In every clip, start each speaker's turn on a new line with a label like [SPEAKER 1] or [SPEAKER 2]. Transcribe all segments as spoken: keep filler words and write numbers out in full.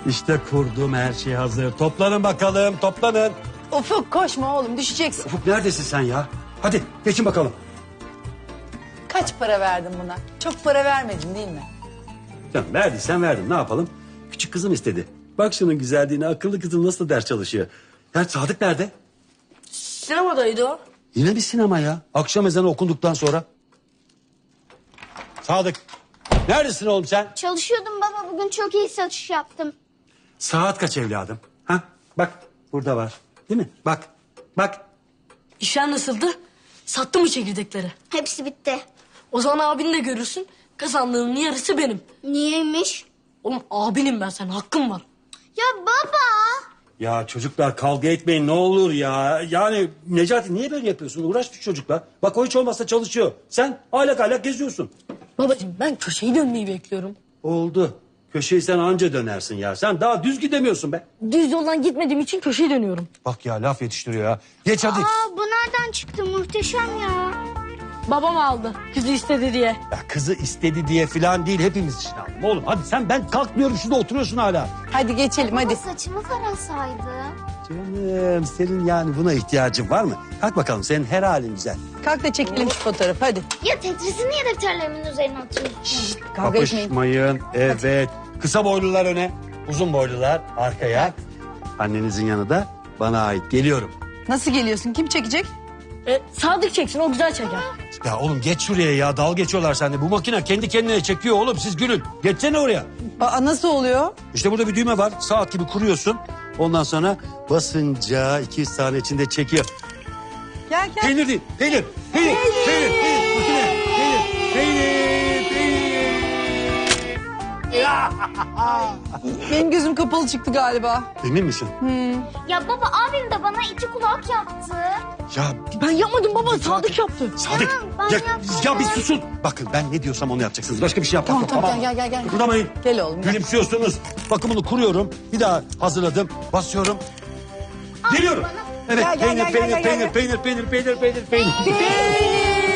[SPEAKER 1] İşte kurdum, her şey hazır. Toplanın bakalım, toplanın.
[SPEAKER 2] Ufuk koşma oğlum, düşeceksin.
[SPEAKER 1] Ufuk neredesin sen ya? Hadi geçin bakalım.
[SPEAKER 2] Kaç para verdin buna? Çok para vermedin değil mi?
[SPEAKER 1] Canım verdiysen verdim, ne yapalım? Küçük kızım istedi. Bak şunun güzelliğine, akıllı kızım nasıl ders çalışıyor. Ya Sadık nerede?
[SPEAKER 3] Sinemadaydı o.
[SPEAKER 1] Yine bir sinema ya. Akşam ezanı okunduktan sonra. Sadık, neredesin oğlum sen?
[SPEAKER 4] Çalışıyordum baba, bugün çok iyi satış yaptım.
[SPEAKER 1] Saat kaç evladım? Ha? Bak burada var. Değil mi? Bak, bak.
[SPEAKER 3] İşler nasıldı? Sattı mı çekirdekleri?
[SPEAKER 4] Hepsi bitti.
[SPEAKER 3] O zaman abini de görürsün. Kazandığının yarısı benim.
[SPEAKER 4] Niyeymiş?
[SPEAKER 3] Oğlum abinim ben, sen hakkım var.
[SPEAKER 4] Ya baba!
[SPEAKER 1] Ya çocuklar kavga etmeyin ne olur ya. Yani Necati niye böyle yapıyorsun? Uğraş şu çocukla. Bak o hiç olmazsa çalışıyor. Sen aylak aylak geziyorsun.
[SPEAKER 3] Babacığım ben köşeyi dönmeyi bekliyorum.
[SPEAKER 1] Oldu. Köşeyi sen anca dönersin ya. Sen daha düz gidemiyorsun be.
[SPEAKER 3] Düz yoldan gitmediğim için köşeyi dönüyorum.
[SPEAKER 1] Bak ya laf yetiştiriyor ya. Geç hadi.
[SPEAKER 4] Aa, bu nereden çıktı, muhteşem ya.
[SPEAKER 3] Babam aldı kızı istedi diye.
[SPEAKER 1] Ya kızı istedi diye falan değil hepimiz için aldım. Oğlum hadi sen ben kalkmıyorum şurada oturuyorsun hala.
[SPEAKER 2] Hadi geçelim hadi.
[SPEAKER 4] Baba saçımı tarasaydı.
[SPEAKER 1] Canım senin yani buna ihtiyacın var mı? Kalk bakalım senin her halin güzel.
[SPEAKER 2] Kalk da çekelim şu fotoğrafı hadi.
[SPEAKER 4] Ya Tetris'i niye defterlerimin üzerine atıyorsun?
[SPEAKER 2] Kavga etmeyin.
[SPEAKER 1] Kapışmayın. Evet. Kısa boylular öne. Uzun boylular arkaya. Annenizin yanı da bana ait. Geliyorum.
[SPEAKER 2] Nasıl geliyorsun? Kim çekecek?
[SPEAKER 3] E, Sadık çeksin, o güzel çeker.
[SPEAKER 1] Ya oğlum geç şuraya ya. Dal geçiyorlar sende. Bu makine kendi kendine çekiyor oğlum. Siz gülün. Geçsene oraya.
[SPEAKER 2] Aa, nasıl oluyor?
[SPEAKER 1] İşte burada bir düğme var. Saat gibi kuruyorsun. Ondan sonra basınca iki yüz saniye içinde çekiyor.
[SPEAKER 2] Gel gel.
[SPEAKER 1] Peynir değil. Peynir. Peynir. Peynir. Peynir. Makine. Peynir. Peynir. Peynir. Ya.
[SPEAKER 2] Benim gözüm kapalı çıktı galiba.
[SPEAKER 1] Emin misin?
[SPEAKER 4] Ya baba, abim de bana iki kulak yaptı.
[SPEAKER 1] Ya
[SPEAKER 3] Ben yapmadım baba, Sadık yaptı.
[SPEAKER 1] Sadık.
[SPEAKER 4] ben
[SPEAKER 1] Ya,
[SPEAKER 4] yapmadım.
[SPEAKER 1] ya bir susun. Bakın ben ne diyorsam onu yapacaksınız. Başka bir şey yapmak
[SPEAKER 2] Tamam
[SPEAKER 1] yok.
[SPEAKER 2] tamam gel gel gel. gel.
[SPEAKER 1] Kıpırdamayın.
[SPEAKER 2] Gel oğlum gel.
[SPEAKER 1] Gülümsüyorsunuz. Bakımını kuruyorum. Bir daha hazırladım. Basıyorum. Geliyorum. Evet.
[SPEAKER 2] Gel, gel,
[SPEAKER 1] peynir,
[SPEAKER 2] gel,
[SPEAKER 1] peynir,
[SPEAKER 2] gel, gel,
[SPEAKER 1] peynir,
[SPEAKER 2] gel.
[SPEAKER 1] peynir, peynir, peynir, peynir, peynir, peynir.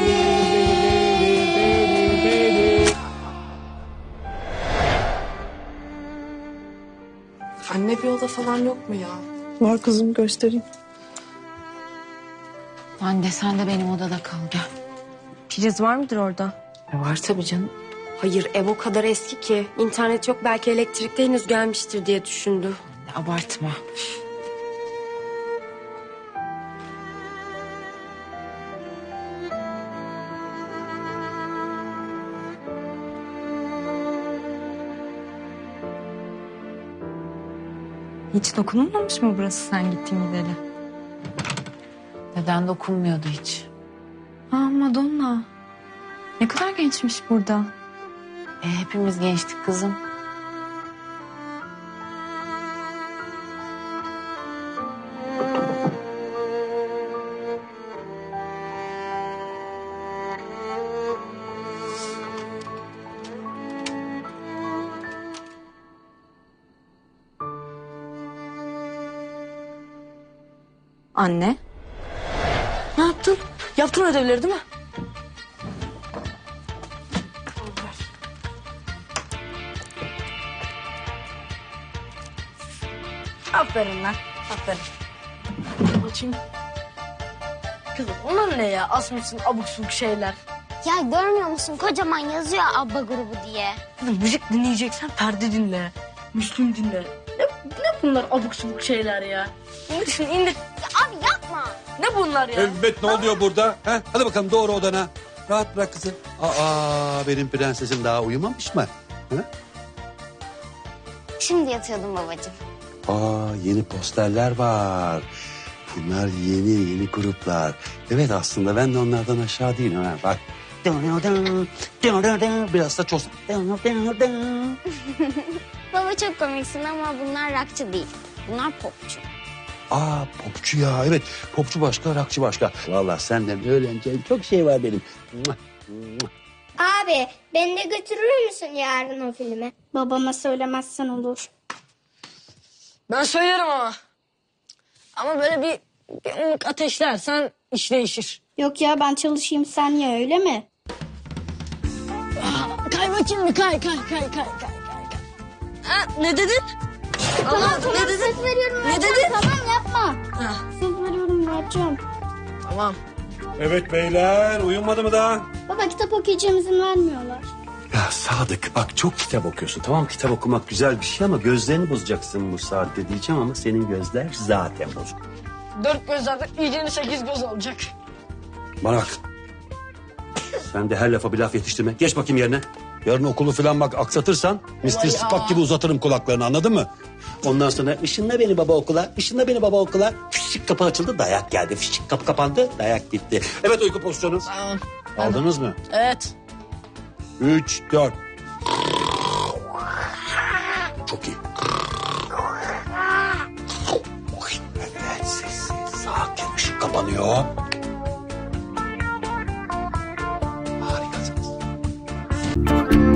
[SPEAKER 5] Anne bir oda falan yok mu ya?
[SPEAKER 2] Var kızım göstereyim.
[SPEAKER 6] Anne sen de benim odada kal gel. Priz var mıdır orada?
[SPEAKER 5] E var tabii canım. Hayır, ev o kadar eski ki. İnternet yok, belki elektrikte henüz gelmiştir diye düşündü.
[SPEAKER 6] Abartma.
[SPEAKER 7] Hiç dokunulmamış mı burası sen gittin gideli?
[SPEAKER 6] Neden dokunmuyordu hiç?
[SPEAKER 7] Aa Madonna. Ne kadar gençmiş burada.
[SPEAKER 6] E, hepimiz gençtik kızım.
[SPEAKER 7] Anne.
[SPEAKER 3] Ne yaptın? Yaptın ödevleri değil mi? Aferin lan. Aferin. Açayım. Kızım onlar ne ya? Asmışsın abuk subuk şeyler.
[SPEAKER 4] Ya görmüyor musun, kocaman yazıyor Abba grubu diye.
[SPEAKER 3] Kızım müzik dinleyeceksen perde dinle. Müslüm dinle. Ne, ne bunlar abuk subuk şeyler ya? İndir şunu indir.
[SPEAKER 4] Ya abi yapma.
[SPEAKER 3] Ne bunlar ya?
[SPEAKER 1] Evet ne oluyor burada? Ha? Hadi bakalım doğru odana. Rahat bırak kızı. Aa benim prensesim daha uyumamış mı? Ha?
[SPEAKER 4] Şimdi yatıyordum babacığım.
[SPEAKER 1] Aa yeni posterler var. Bunlar yeni yeni gruplar. Evet aslında ben de onlardan aşağı değilim. Ha. Bak. Biraz da çoğulsun.
[SPEAKER 4] Baba çok komiksin ama bunlar rockçı değil. Bunlar popçu.
[SPEAKER 1] Aa popçu ya evet. Popçu başka, rockçı başka. Vallahi senden öğreneceğim çok şey var benim.
[SPEAKER 4] Abi beni de götürür müsün yarın o filme? Babama söylemezsen olur.
[SPEAKER 3] Ben söylerim ama. Ama böyle bir, bir ımlık ateşlersen iş değişir.
[SPEAKER 4] Yok ya, ben çalışayım sen ya, öyle mi?
[SPEAKER 3] Kay bakayım bir kay kay kay kay kay kay. kay. Ha, ne dedin?
[SPEAKER 4] Tamam
[SPEAKER 3] Anlamadım,
[SPEAKER 4] tamam
[SPEAKER 3] ne dedin?
[SPEAKER 4] söz veriyorum
[SPEAKER 3] Ne
[SPEAKER 4] yapacağım.
[SPEAKER 3] dedin?
[SPEAKER 4] Tamam yapma.
[SPEAKER 3] Ha,
[SPEAKER 4] Söz veriyorum yapacağım.
[SPEAKER 3] tamam.
[SPEAKER 1] Evet beyler uyumadı mı daha?
[SPEAKER 4] Baba kitap okuyacağım izin vermiyorlar.
[SPEAKER 1] Ya Sadık bak çok kitap okuyorsun. Tamam kitap okumak güzel bir şey ama gözlerini bozacaksın bu saatte diyeceğim ama senin gözler zaten bozuk.
[SPEAKER 3] Dört gözlerden iyicene sekiz göz olacak.
[SPEAKER 1] Bana bak. Sen de her lafa bir laf yetiştirme. Geç bakayım yerine. Yarın okulu falan bak aksatırsan mister
[SPEAKER 3] ya.
[SPEAKER 1] Spock gibi uzatırım kulaklarını anladın mı? Ondan sonra ışınla beni baba okula, ışınla beni baba okula. Fişik kapı açıldı, dayak geldi. Fişik kapı kapandı, dayak gitti. Evet uyku pozisyonu.
[SPEAKER 3] Tamam.
[SPEAKER 1] Aldınız mı?
[SPEAKER 3] Evet.
[SPEAKER 1] Üç, dört. Çok iyi. Evet, sessiz, sakin, ışık kapanıyor. Harikasınız.